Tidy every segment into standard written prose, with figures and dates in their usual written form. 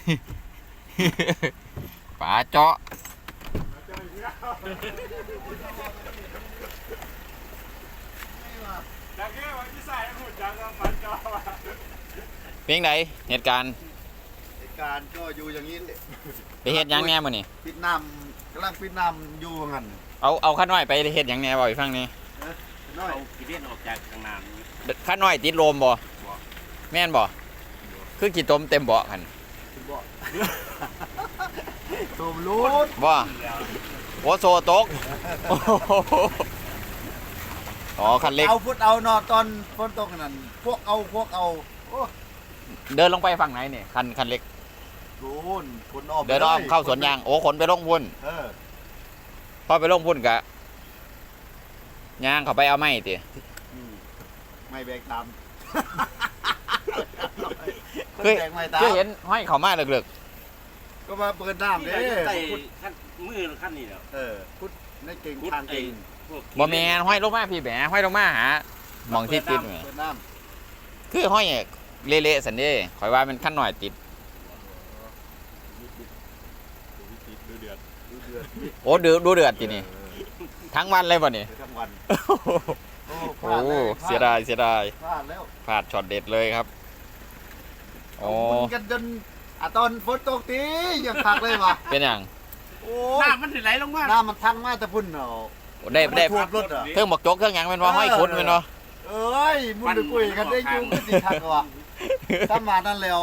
ป๋าเจาะเพียงไหนเหตุการณ์ก็อยู่อย่างนี้ไปเฮ็ดหยังแน่มื้อนี่ปิดน้ำกำลังปิดน้ำอยู่งั้นเอาข้าน้อยไปเฮ็ดหยังแน่บ่อีกฟังนี่น้อยเอากิเลสออกจากทางน้ำข้าน้อยติดลมบ่แม่นบ่คือกี่ตมเต็มเบาะคั่นบ่โตมรูดบ่โอโซตกอ๋อคันเล็กเอาพุดเอานอตอนฝนตกนั่นพวกเอาโอ้เดินลงไปฝั่งไหนนี่คันเล็กโดนคนออกเดินอ้อมเข้าสวนยางโอ้ขนไปลงพุ่น พอไปลงพุ่นกะยางเขาไปเอาไม้ติไม่แบกตามคือเห็นห้อยเขามาเลึกก็มาเปิดน้ำที่เด้เราจะใส่ขั้นมือขั้นนี้แล้วพุดในเก่งพุดทางไอ้เก่งพวกๆบ่แม่นห้อยลงมาพี่แหมห้อยลงมาหาหมองที่ติดแหมเปิดน้คือห้อยเละๆสันเด้ข่อยว่ามันขั้นหน่อยติดำดูเดือดโอ้ดูเดือดทีนี่ทั้งวันเลยบ่นี่ทั้งวันโอ้เสียดายพลาดแล้วพลาดช็อตเด็ดเลยครับโอ้มุนกันจนตอนฝนตกตียังคักเลยว่ะเป็นอย่างโอ้น้ำมันไหลลงมาน้ำมันทั้งมาแต่พุ่นเนาะได้ท่วมรถอ่ะเครื่องบักจกเครื่องหยังเป็นว่าห้อยคุดเป็นว่าเอ้ยมุนไปคุยกันได้ยุ่งกันสิคักว่ะถ้ามานั่นแล้ว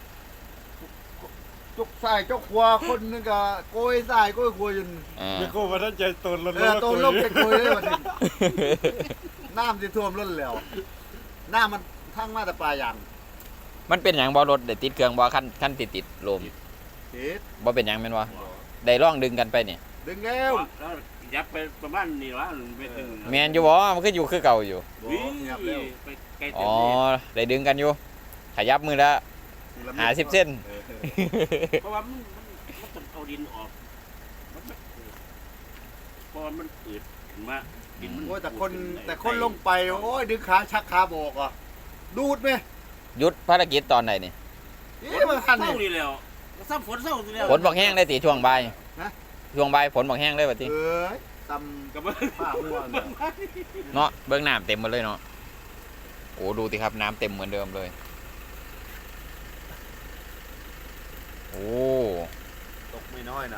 จกสายจกขวาคนนึงก็โกยสายโกยขวาอยู่ไม่โก้มาท่านใจตนโตนลบไปโกยเลยวันนี้น้ำที่ท่วมรถแล้วน้ำมันทั้งมาแต่ปลายางมันเป็นอย่างบ่รถได้ติดเครื่องบ่ขั้นติดลมติดบ่เป็นอย่างแม่นว่าได้ร่องดึงกันไปนี่ดึงแล้วแล้วยับไปประมาณนี้วะไปถึงแม่นอยู่บ่มันคืออยู่คือเก่าอยู่วิ่งยับแล้วไปไกลอ๋เต็มอได้ดึงกันอยู่ขยับมือละ50 เส้นเพราะว่ามันต้องเอาดินออกเพราะว่ามันอืดขึ้นมาดินมันโอ้ยแต่คนลงไปโอ้ยดึงขาชักขาบอกอ่ะดูดไหมหยุดภารกิจตอนไหนนี่นี่มันคันเศร้านี่นี่แล้วซ้ำฝนเศร้านี่แล้วฝนบอกแห้งได้ติช่วงบ่ายฮะช่วงบ่ายฝนบอกแห้งได้บ่ติเอ้ยตกับำผ้าหัวเนี่ยเนาะเบื้องน้ำเต็มหมดเลยเนาะโอ้ดูสิครับน้ำเต็มเหมือนเดิมเลยโอ้ตกไม่น้อยนะ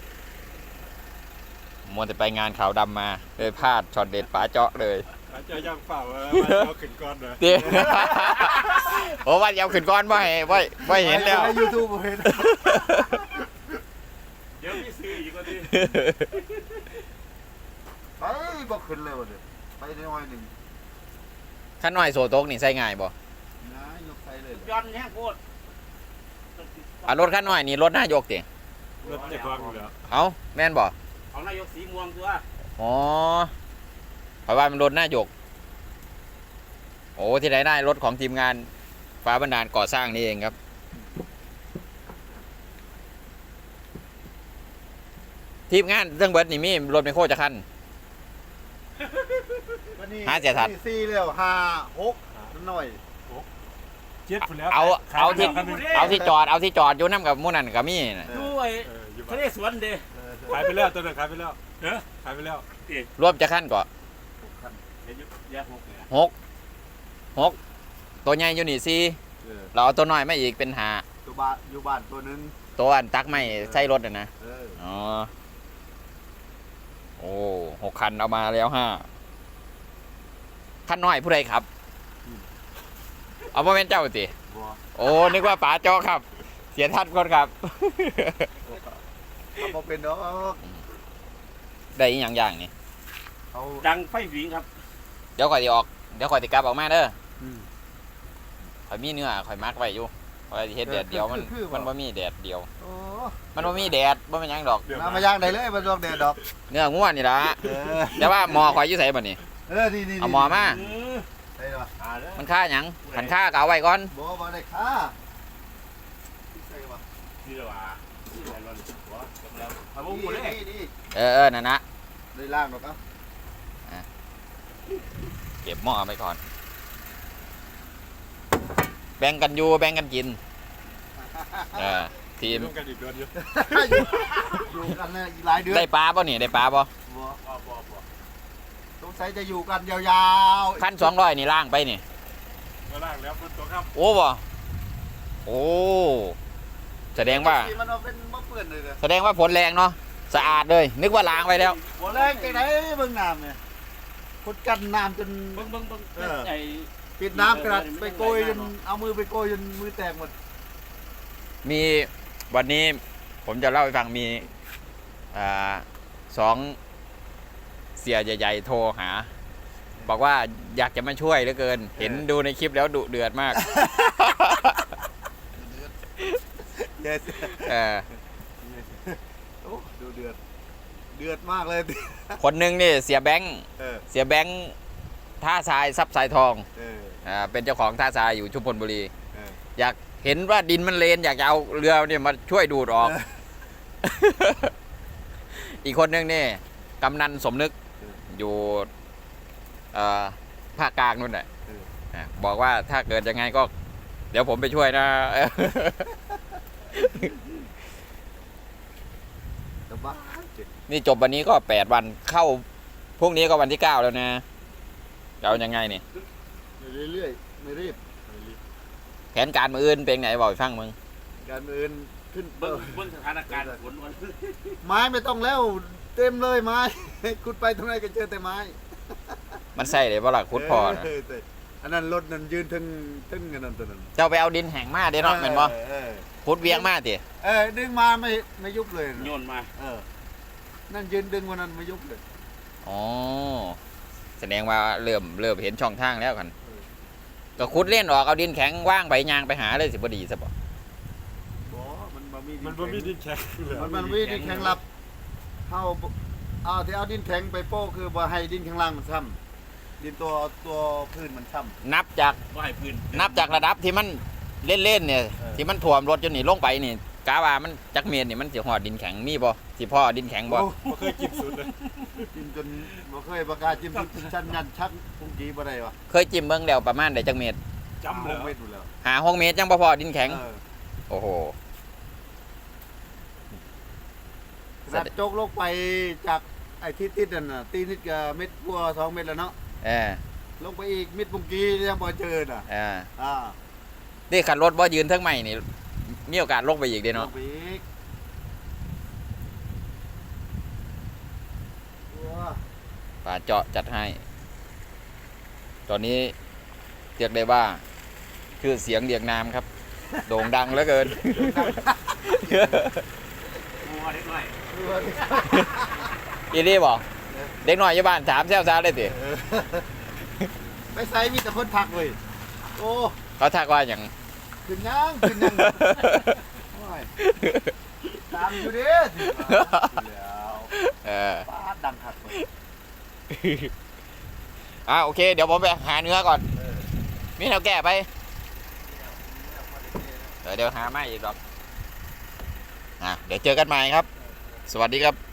มัวแต่ไปงานขาวดำมาเลยพลาดช็อตเด็ดป๋าเจาะเลยเจะยังเปล่าเอาขึ้นก่อนนะเตี้ย โอ้ว่าอยาวขึ้นก้อนบ่ให้เห็นแล้วในยูทูบเห็นเดี๋ยวพี่ซื้ออีกก็ดีไปบอกขึ้นเลยวันนี้ไปน้อยหนึ่งขั้นหน่อยโซโต๊กนี่ใส่ง่ายบ่นะยกไปเลยย้อนแห้งโคตรอ่ะรถขั้นหน่อยนี่รถหน้ายกติรถจะกว้างอยู่แล้วเอ้าแม่นบ่ของนายกสีม่วงตัวอ๋อเพราะว่ามันรถหน้ายกโอ้ที่ไหนได้รถของทีมงานฟ้าบันดาลก่อสร้างนี่เองครับ ทีมงานเรื่องเบิร์ดนี่มีรถไมคโครจะคัน หาเสียทัดสี่แล้ว5 6หน่อยเจ็ดคนแล้วเอาที่จอดอยู่น้ำกับหมู่นั่นกับมี่น่ะด้วยอยู่ทะเลสวนเด้ขายไปแล้วตัวนึงขายไปแล้วเนอะขายไปแล้วรวมจะคันก่อเดี๋ยวแยกหกเลย 6ตัวใหญ่อยู่นี่สี่เราเอาตัวน้อยมาอีกเป็น5 ตัวบ้านอยู่บ้านตัวหนึงตัวอันตักไม่ใช่รถนะ อ๋อ โอ้6 คันเอามาแล้ว5 คันน้อยผู้ใดครับ เอามาเป็นเจ้าติบัวโอ้นึกว่าป๋าจอครับ เสียทัดคนครับเขาบอกเป็นดอกได้อีกอย่างนี่เขาดังไฟหวิงครับเดี๋ยวข่อยสิออกเดี๋ยวข่อยสิกลับออกมาเด้อข่อยมีเนื้อข่อยมักไว้อยู่ข่อยสิเฮ็ดแดดเดียวมันบ่มีแดดเดียวโอ้มันบ่มีแดดบ่เป็นหยังดอกน้ำมาย่างได้เลยมันดอกแดดดอกเนื้องัวนี่ล่ะแต่ว่าหมอข่อยอยู่ไสบัดนี้นี่เอาหมอมาได้หรอมันค่าหยังขันค่าก็เอาไว้ก่อนบ่ได้ค่าใส่วะนี่แหละว่ะนี่แหละรอนหัวจบแล้วเอาบุ้งหมดเลยนี่เออนั่นนะได้ล่างดอกครับเก็บหม้อไปก่อน แบ่งกันอยู่แบ่งกันกิน เออทีมร่วมกันอีกเดือนอยู่อยู่กันเลยอีกหลายเดือนได้ปลาป่ะนี่ได้ปลาป่ะบ่สงสัยจะอยู่กันยาวๆขั้น200นี่ล่างไปนี่ก็ล่างแล้วบนตัวครับโอ้บ่โอ้แสดงว่ามันเอาเป็นมะเปื่อนเลยเลยแสดงว่าฝนแรงเนาะสะอาดเลย นึกว่าล้างไปแล้วหัวแรงไปไหนเบิ่งน้ำเนี่ยคุดกันน้ำจนเบิ่งไอ้ปิดน้ำกระดาษไปโกยจนเอามือไปโกยจนมือแตกหมดมีวันนี้ผมจะเล่าให้ฟังมีสองเสียใหญ่ๆโทรหา บอกว่าอยากจะมาช่วยเหลือเกิน เห็นดูในคลิปแล้วดุเดือดมากเด็ดเออโอ้ดูเดือดเดือดมากเลยคนหนึงนี่เสียแบงค์เออเสียแบงค์ท่าทรายซับทรายทองเออเป็นเจ้าของท่าทรายอยู่ชุมพลบุรีเอออยากเห็นว่าดินมันเลนอยากจะเอาเรือเนี่ยมาช่วยดูดออก อีกคนนึงนี่กำนันสมนึกอยู่ภาคกลางนู่นแหละบอกว่าถ้าเกิดยังไงก็ เดี๋ยวผมไปช่วยนะสบายเจ็บนี่จบวันนี้ก็8 วันเข้าพรุ่งนี้ก็วันที่ 9 แล้วนะจะเอายังไงนี่เรื่อยๆไม่รีบแผนการมืออื่นเป็นไงบอกให้ฟังมึงการอื่นขึ้นเบิ่งสถานการณ์ฝนวันไม้ไม่ต้องแล้วเต็มเลยไม้ ขุดไปตรงไหนก็เจอแต่ไม้มันใส่เลยว่าหลักคุดพอนะแต่อันนั้นรถนั่นยืนทึ่งกันนั่นตัวนั้นเจ้าไปเอาดินแห้งมาเด้เนาะแม่นบ่เออคุดเวียงมาติดึงมาไม่ยุบเลยโยนมานั่นยืนดึงวันนั้นไม่ยุบเลยอ๋อแสดงว่าเริ่มเห็นช่องทางแล้วกันก็คุดเล่นออกเอาดินแข็งว่างไปยางไปหาเลยสิบ่ดีซะบ่มันบ่มีมันบ่มีดินแข็งเลยมันมีดินแข็งรับเอาที่เอาดินแข็งไปโป้คือบ่ให้ดินข้างล่างมันซ้ำดินตัวพื้นมันซ้ำนับจากบ่ให้พื้นนับจากระดับที่มันเล่นๆเนี่ย ที่มันท่วมรถจนนี่ลงไปนี่กาว่ามันจักเมตรนี่มันสิฮอดดินแข็งมีบ่สิพ่อดินแข็งบ่โอ้บ่เคยกินสุดเลยจิ้มจนบ่เคยประกาศจิ้มจนชั้นยันชักพุงกีบ่ได้วะเคยจิ้มเบิ่งแล้วประมาณได้จักเมตรจำเลยไม่ดูแล้วหา6 เมตรยังบ่พอดินแข็งเออโอ้โหขนาดโจกลงไปจากไอ้ที่ติดนั่นน่ะตีนิดกับเม็ดพัว2 เม็ดแล้วเนาะเออลงไปอีกมิดปุงกียังบ่เจอน่ะอ่านี่ขันรถบ่ยืนเทั้งใหม่นี่มีโอกาสลงไปอีกเด้ลเนาะงไปอีกว้าป่าเจาะจัดให้ ตอนนี้เรียกได้ว่าคือเสียงเรียกนามครับ โด่งดังเหลือเกินงัวเล็กน้อยอีนี่บอกเด็กน้อยอยู่บ้านถามแซวซาได้สิไปใส่มีแต่คนทักเว้ยโอ้เขาทักว่าอย่างขึ้นยังโอ้ยตามอยู่เด้แล้วเออป้าดดังคักเว้ยโอเค เดี๋ยวผมไปหาเนื้อก่อน มีแนวแก้ไป เดี๋ยวหาไม่อีกหรอกเดี๋ยวเจอกันใหม่ครับ สวัสดีครับ